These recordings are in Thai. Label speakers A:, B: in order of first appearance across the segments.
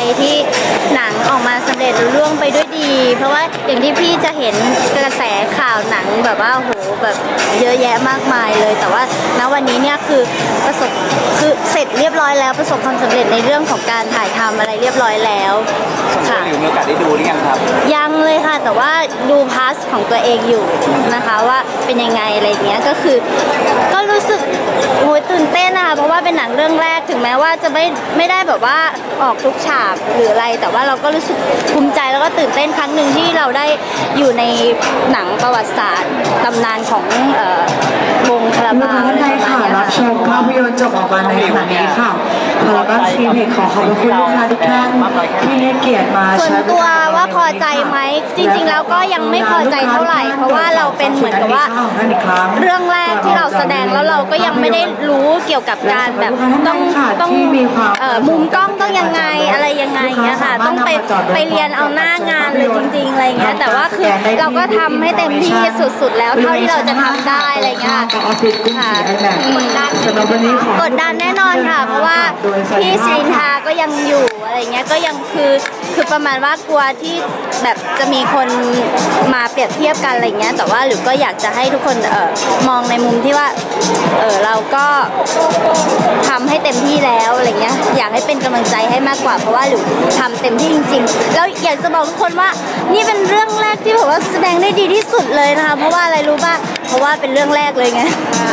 A: ที่หนังออกมาสำเร็จลุล่วงไปด้วยดี เพราะว่าอย่างที่พี่จะเห็นกระแสข่าวหนังแบบว่าโหแบบเยอะแยะมากมายเลย แต่ว่าณวันนี้เนี่ยคือเสร็จเรียบร้อยแล้วประสบความสำเร็จในเรื่องของการถ่ายทำอะไรเรียบร้อยแล้วค่ะ
B: หรือมีโอกาสได้ดูหรือยังครับ
A: ยังเลยค่ะแต่ว่าดูพาร์ทของตัวเองอยู่นะคะว่าเป็นยังไงอะไรเงี้ยก็รู้สึกโหตื่นเต้นนะคะเพราะว่าเป็นหนังเรื่องแรกถึงแม้ว่าจะไม่ได้แบบว่าออกทุกฉากหรืออะไรแต่ว่าเราก็รู้สึกภูมิใจแล้วก็ตื่นเต้นครั้งหนึ่งที่เราได้อยู่ในหนังประวัติศาสตร์ตำนานของวงคาราบาว
C: ท่านใดค่ะรับชมภาพยนตร์จบออกมาในขณะนี้ค่ะแล้วก็ซีเพจขอขอบคุณลูกค้าทุกท่านที่ให้เกียรติมา
A: ส่วนตัวว่าพอใจไหมจริงๆแล้วก็ยังไม่พอใจเท่าไหร่เพราะว่าเราเป็นเหมือนกับว่าเรื่องแรกที่เราแสดงแล้วเราก็ยังไม่ได้รู้เกี่ยวกับการแบบต้องมุมกล้องต้องยังไงอะไรยังไงเงี้ยค่ะต้องไปเรียนเอาหน้างานเลยจริงๆอะไรเงี้ยแต่ว่าคือเราก็ทำให้เต็มที่สุดๆแล้วเท่าที่เราจะทำได้อะไรเงี้ยค่ะกดดันแน่นอนค่ะเพราะว่าพี่สิรินทาก็ยังอยู่อะไรเงี้ยก็ยังคือประมาณว่ากลัวที่แบบจะมีคนมาเปรียบเทียบกันอะไรเงี้ยแต่ว่าหรือก็อยากจะให้ทุกคนมองในมุมที่ว่าเราก็ทำให้เต็มที่แล้วอะไรเงี้ยอยากให้เป็นกำลังใจให้มากกว่าเพราะว่าหรือทำเต็มที่จริงๆแล้วอยากจะบอกทุกคนว่านี่เป็นเรื่องแรกที่แบบว่าแสดงได้ดีที่สุดเลยนะคะเพราะว่าอะไรรู้ป่ะเพราะว่าเป็นเรื่องแรกเลยไง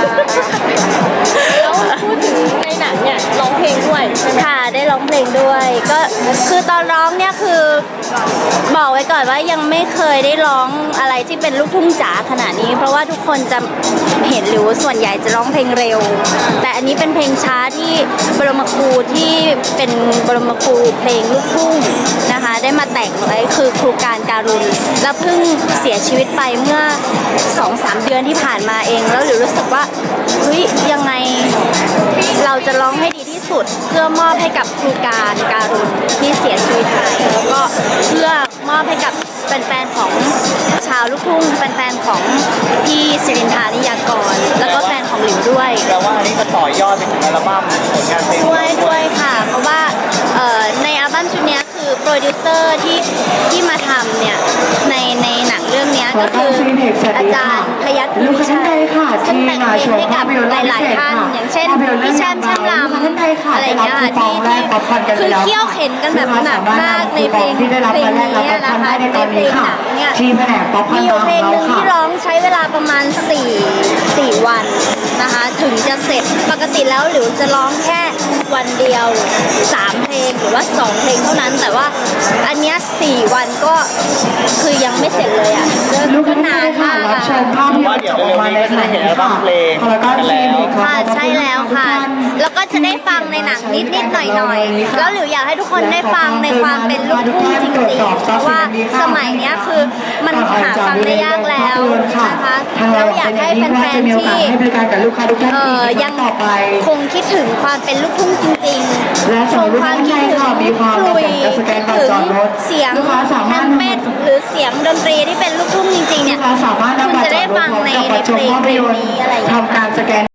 D: แล้วพูดถึงในหนังเนี่ยร้องเพลงด้วยใช่ไหม
A: ค่ะได้ร้องเพลงด้วยก็คือตอนร้องเนี่ยคือบอกไว้ก่อนว่ายังไม่เคยได้ร้องอะไรที่เป็นลูกทุ่งจ๋าขนาดนี้เพราะว่าทุกคนจะเห็นหรือส่วนใหญ่จะร้องเพลงเร็วแต่อันนี้เป็นเพลงช้าที่บรมครูที่เป็นบรมครูเพลงลูกทุ่งนะคะได้มาแต่งไว้คือครูการุณแล้วเพิ่งเสียชีวิตไปเมื่อ 2-3 เดือนที่ผ่านมาเองแล้วหรือรู้สึกว่าเฮ้ยยังไงเราจะร้องให้ดีที่สุดเพื่อมอบให้กับครูการุณที่เสียชีวิตไปแล้วก็เพื่อมอบให้กับแฟนๆของชาวลูกทุ่งแฟนๆของพี่สิรินทานิยากรแล้วก็แฟนของหลิวด้วย
B: แปลว่าอันนี้จะต่อยอดไปถึงอัลบั้มผลงานเพลง
A: ด้วยค่ะเพราะว่าในอัลบั้มชุดนี้คือโปรดิวเซอร์ที่มาทำเนี่ยในหนังเรื่องนี้ก็คืออาจารย์พยัคฆ์ภูมิชัยซึ่งแต่งเพลงให้กับหลายๆท่านอย่างเช่นพี่แช่มลำอะไรอย่างเงี้ยค่ะที่คือเขี่ยวเข็นกันแบบหนักมากในเพลงนี้นะคะในเพลงหนังเนี่ยมีอยู่เพลงหนึ่งที่ร้องใช้เวลาประมาณ4 วันนะคะถึงจะเสร็จปกติแล้วหรือจะร้องแค่วันเดียว3 เพลงหรือว่า2 เพลงเท่านั้นแต่ว่าอันเนี้ย4 วันก็คือยังไม่เสร็จเลยอ่ะก็นานมากอ่ะ
B: ว่าเดี๋ยวเร็วๆนี้ก็จะได้เห็นอัลบั้มเพลงกันแล้ว
A: ค่ะใช่แล้วค่ะแล้วก็จะได้ฟังในหนังนิดๆหน่อยๆแล้วหรืออยากให้ทุกคนได้ฟังในความเป็นลูกทุ่งจริงๆเพราะว่าสมัยเนี้ยคือมันหาฟังได้ยากแล้วนะคะแล้วอยากให้แฟนๆที่ยังคงคิดถึงความเป็นลูกทุ่งจริงๆคงความคิดถึงคลุยถึงเสียงแฮมเป็ดหรือเสียงดนตรีที่เป็นลูกทุ่งจริงๆเนี่ยคุณจะได้ฟังในเพลงนี้อะไรอย่างเงี้ย